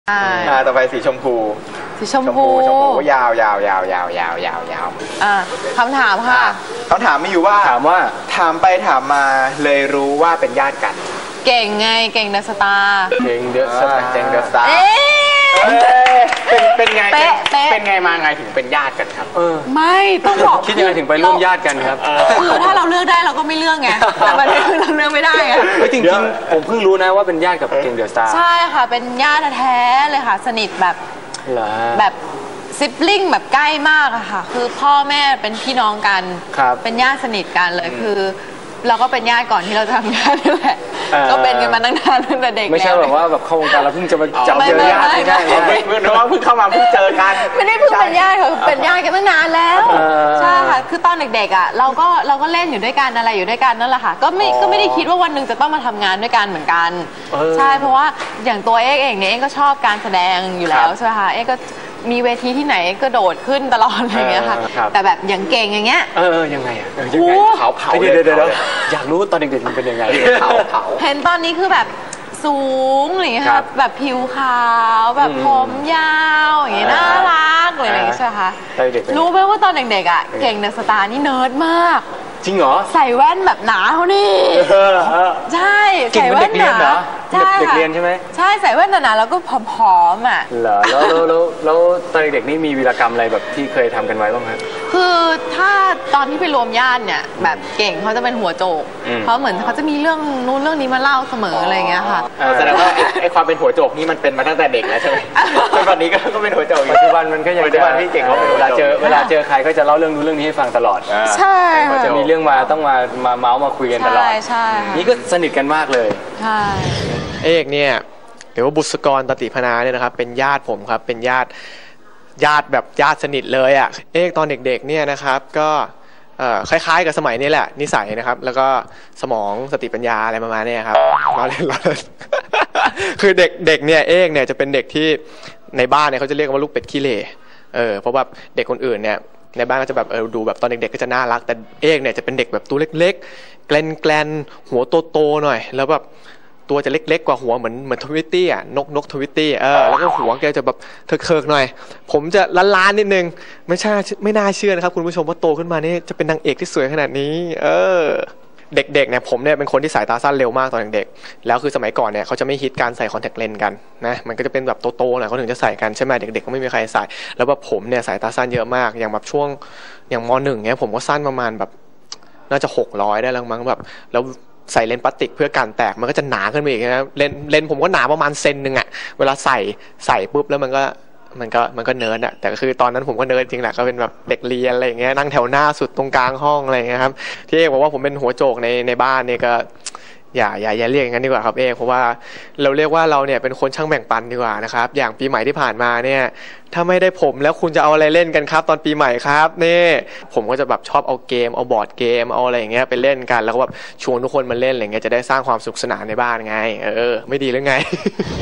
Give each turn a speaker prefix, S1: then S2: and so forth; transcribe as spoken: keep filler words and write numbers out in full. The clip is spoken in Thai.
S1: อ่าต่อไปสีชมพู
S2: สีชมพู
S1: ชมพูยาวยาวยาวยาวยาวยาวยาว
S2: อ่าคำถามค่ะ
S1: คำถามมีอยู่ว่า
S3: ถามว่า
S1: ถามไปถามมาเลยรู้ว่าเป็นญาติกัน
S2: เก่งไงเก่งเดอะสตาร์
S3: เก่งเดอะสตาร์
S1: เก่งเดอะสตาร์เป็นเป็นไงเป็นไงมาไงถึงเป็นญาติกันครับ
S2: ไม่ต้องบอก
S3: คิดยังไงถึงไปร่วมญาติกันครับ
S2: คือถ้าเราเลือกได้เราก็ไม่เลือกไงแต่ประเด็นคือเราเลือกไม่ได้ไง
S3: จริงๆผมเพิ่งรู้นะว่าเป็นญาติกับเก่งเดอะสตาร์
S2: ใช่ค่ะเป็นญาติแท้เลยค่ะสนิทแบบแบบซิบลิงแบบใกล้มากอะค่ะคือพ่อแม่เป็นพี่น้องกันเป็นญาติสนิทกันเลยคือเราก็เป็นญาติก่อนที่เราจะทำงานนี่แหละก็เป็นกันมาตั้งนานตั้งแต่เด็ก
S3: ไม่ใช่แบบว่าแบบเข้าวงการเราเพิ่งจะมาจับเจอญาติไม่ได้
S1: เพิ่งน้องเพิ่งเข้ามาเพิ่งเจอกัน
S2: ไม่ได้เพิ่งเป็นญาติค่ะเป็นญาติกันตั้งนานแล้วใช่ค่ะคือตอนเด็กๆอ่ะเราก็เราก็เล่นอยู่ด้วยกันอะไรอยู่ด้วยกันนั่นแหละค่ะก็ไม่ก็ไม่ได้คิดว่าวันหนึ่งจะต้องมาทำงานด้วยกันเหมือนกันใช่เพราะว่าอย่างตัวเอ๊เองเนี่ยเอ๊ก็ชอบการแสดงอยู่แล้วใช่ไหมคะเอ๊ก็มีเวทีที่ไหนก็โดดขึ้นตลอดอะไรเงี้ยค่ะแต่แบบอย่างเก่งอย่างเงี้ย
S3: เออยังไงอ่ะ
S1: ยังไงเผาเผา
S3: เดี๋ยวเดี๋ยวอยากรู้ตอนเด็กๆมันเป็นยังไง
S1: เผาเผา
S2: เห็นตอนนี้คือแบบสูงอะไรเงี้ยค่ะแบบผิวขาวแบบผมยาวอย่างเงี้ยน่ารักอะไรอย่างเงี้ยใช่ไหมคะรู้ไหมว่าตอนเด็กๆอ่ะเก่งเดอะสตาร์นี่เนิร์ดมาก
S3: จริงเหรอ
S2: ใส่แว่นแบบหนาเขานี่ใช่ใส่แว่นหนา
S3: ใช่เด็กเรียนใช่ไหม
S2: ใช่ใส่แว่นหนาๆแล้วก็ผอมๆอ่ะ
S3: เหรอแล้วแล้วแล้วตอนเด็กๆนี่มีวีรกรรมอะไรแบบที่เคยทำกันไว้บ้างครับ
S2: คือถ้าตอนที่ไปรวมญาติเนี่ยแบบเก่งเขาจะเป็นหัวโจกเพราะเหมือนเขาจะมีเรื่องนู้นเรื่องนี้มาเล่าเสมออะไรเงี้ยค่ะ
S1: แสดงว่าไอ้ความเป็นหัวโจกนี่มันเป็นมาตั้งแต่เด็กแล้วใช่ไหมจนวันนี้ก็เป็นหัวโจก
S3: ปัจจุบันมันก็ยังปัจจุบันที่เก่งเขาเวลาเจอเวลาเจอใครก็จะเล่าเรื่องนู้นเรื่องนี้ให้ฟังตลอด
S2: ใช่
S3: จะมีเรื่องมาต้องมามาเมาส์มาคุยกันตลอด
S2: ใช่
S3: นี่ก็สนิทกันมากเลย
S2: ใช่
S4: เอกเนี่ยหรือว่าบุษกรตติพนาเนี่ยนะครับเป็นญาติผมครับเป็นญาติญาติแบบญาติสนิทเลยอ่ะเอกตอนเด็กๆเนี่ยนะครับก็คล้ายๆกับสมัยนี้แหละนิสัยนะครับแล้วก็สมองสติปัญญาอะไรประมาณนี้ครับเราเล่นเราเล่นคือเด็กเด็กเนี่ยเอกเนี่ยจะเป็นเด็กที่ในบ้านเนี่ยเขาจะเรียกว่าลูกเป็ดขี้เหร่เออเพราะว่าเด็กคนอื่นเนี่ยในบ้านก็จะแบบเออดูแบบตอนเด็กๆก็จะน่ารักแต่เอกเนี่ยจะเป็นเด็กแบบตัวเล็กๆแกลนแกลนหัวโตๆหน่อยแล้วแบบตัวจะเล็กๆกว่าหัวเหมือนเหมือนทวิตตี้อ่ะนกนกทวิตตี้เออแล้วก็หัวแกจะแบบเถิกๆหน่อยผมจะล้านๆนิดนึงไม่ใช่ไม่น่าเชื่อนะครับคุณผู้ชมว่าโตขึ้นมานี่จะเป็นนางเอกที่สวยขนาดนี้เออเด็กๆเนี่ยผมเนี่ยเป็นคนที่สายตาสั้นเร็วมากตอนเด็กๆแล้วคือสมัยก่อนเนี่ยเขาจะไม่ฮิตการใส่คอนแทคเลนส์กันนะมันก็จะเป็นแบบโตๆหน่อยเขาถึงจะใส่กันใช่ไหมเด็กๆก็ไม่มีใครใส่แล้วแบบผมเนี่ยสายตาสั้นเยอะมากอย่างแบบช่วงอย่างมหนึ่งเนี่ยผมก็สั้นประมาณแบบน่าจะหกร้อยได้แล้วมั้งแบบแล้วใส่เลนส์พลาสติกเพื่อกันแตกมันก็จะหนาขึ้นไปอีกนะเลนเลนผมก็หนาประมาณเซนหนึ่งอะเวลาใส่ใส่ปุ๊บแล้วมันก็มันก็มันก็เนิร์ดอะแต่ก็คือตอนนั้นผมก็เนิร์ดจริงแหละก็เป็นแบบเด็กเรียนอะไรอย่างเงี้ยนั่งแถวหน้าสุดตรงกลางห้องอะไรอย่างเงี้ยครับที่เอกบอกว่าผมเป็นหัวโจกในในบ้านเนี่ยก็อย่าอย่าอย่าเรียกอย่างนั้นดีกว่าครับเอกเพราะว่าเราเรียกว่าเราเนี่ยเป็นคนช่างแบ่งปันดีกว่านะครับอย่างปีใหม่ที่ผ่านมาเนี่ยถ้าไม่ได้ผมแล้วคุณจะเอาอะไรเล่นกันครับตอนปีใหม่ครับนี่ผมก็จะแบบชอบเอาเกมเอาบอร์ดเกมเอาอะไรอย่างเงี้ยไปเล่นกันแล้วก็แบบชวนทุกคนมาเล่นอะไรเงี้ยจะได้สร้างความสุขสนานในบ้านไงเออไม่ดีหรือไง